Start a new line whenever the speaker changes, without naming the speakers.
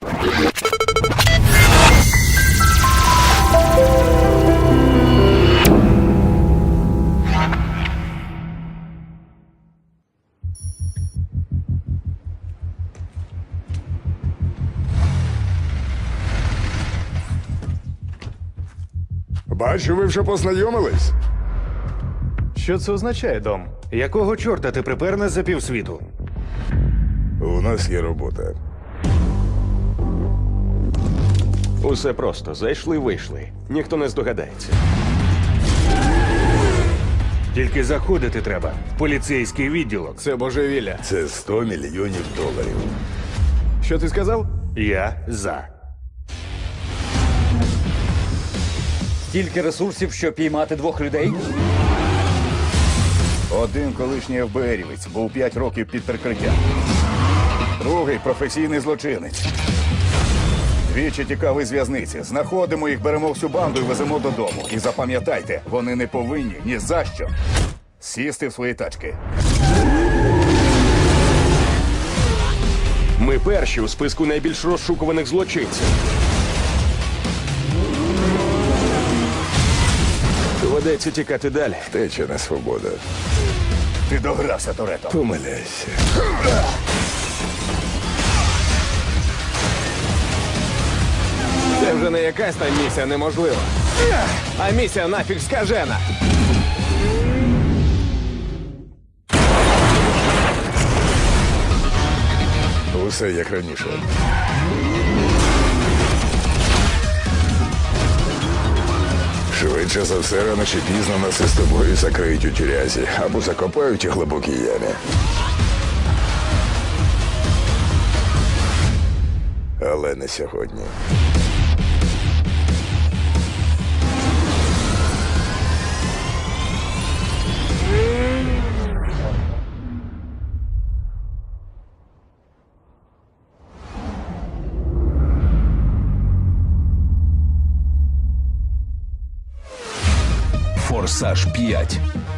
Бачу, ви вже познайомились.
Що це означає, Дом? Якого чорта ти припер нас за півсвіту?
У нас є робота.
Усе просто. Зайшли-вийшли. Ніхто не здогадається.
Тільки заходити треба в поліцейський відділок.
Це божевілля.
Це 100 мільйонів доларів.
Що ти сказав?
Я за.
Стільки ресурсів, щоб піймати 2 людей?
Один колишній ФБРівець був 5 років під прикриттям. Другий професійний злочинець. Двічі тікав із в'язниці. Знаходимо їх, беремо всю банду і веземо додому. І запам'ятайте, вони не повинні ні за що сісти в свої тачки.
Ми перші у списку найбільш розшукуваних злочинців. Доведеться тікати далі.
Втеча на свободу.
Ти догрався, Торетто.
Помиляйся.
Це вже не якась там місія неможлива. А місія нафіг скажена.
Усе як раніше. Швидше за все, рано чи пізно нас із тобою закриють у тюрязі або закопають у глибокій ямі. Але не сьогодні.
Форсаж 5.